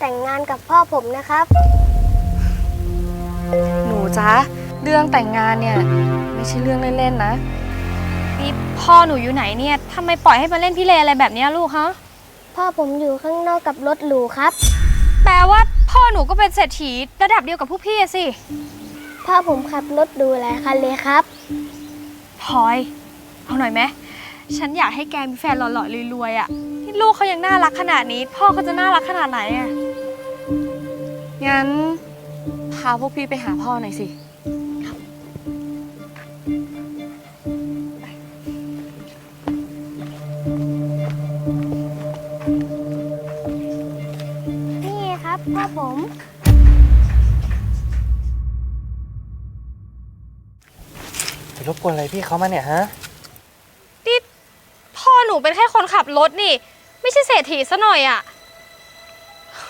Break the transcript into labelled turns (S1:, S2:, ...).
S1: แต่งงานกับพ่อผมนะครับ
S2: หนูจ๊ะเรื่องแต่งงานเนี่ยไม่ใช่เรื่องเล่นๆนะ
S3: นี่พ่อหนูอยู่ไหนเนี่ยทำไมปล่อยให้มาเล่นพี่เลอะไรแบบนี้ลูกฮะ
S1: พ่อผมอยู่ข้างนอกกับรถหรูครับ
S3: แปลว่าพ่อหนูก็เป็นเศรษฐีระดับเดียวกับพวกพี่อะสิ
S1: พ่อผมขับรถหรูหลายคันเลยครับ
S3: พลอยเอาหน่อยไหมฉันอยากให้แกมีแฟนหล่อๆรวยๆอะที่ลูกเขายังน่ารักขนาดนี้ พ่อเขาจะน่ารักขนาดไหนอะ
S2: งั้นพาพวกพี่ไปหาพ่อหน่อยสิ
S1: นี่ครับพ่อผม
S4: ไปรบกวนอะไรพี่เขามาเนี่ยฮะ
S3: นี่พ่อหนูเป็นแค่คนขับรถนี่ ไม่ใช่เศรษฐีซะหน่อยอะ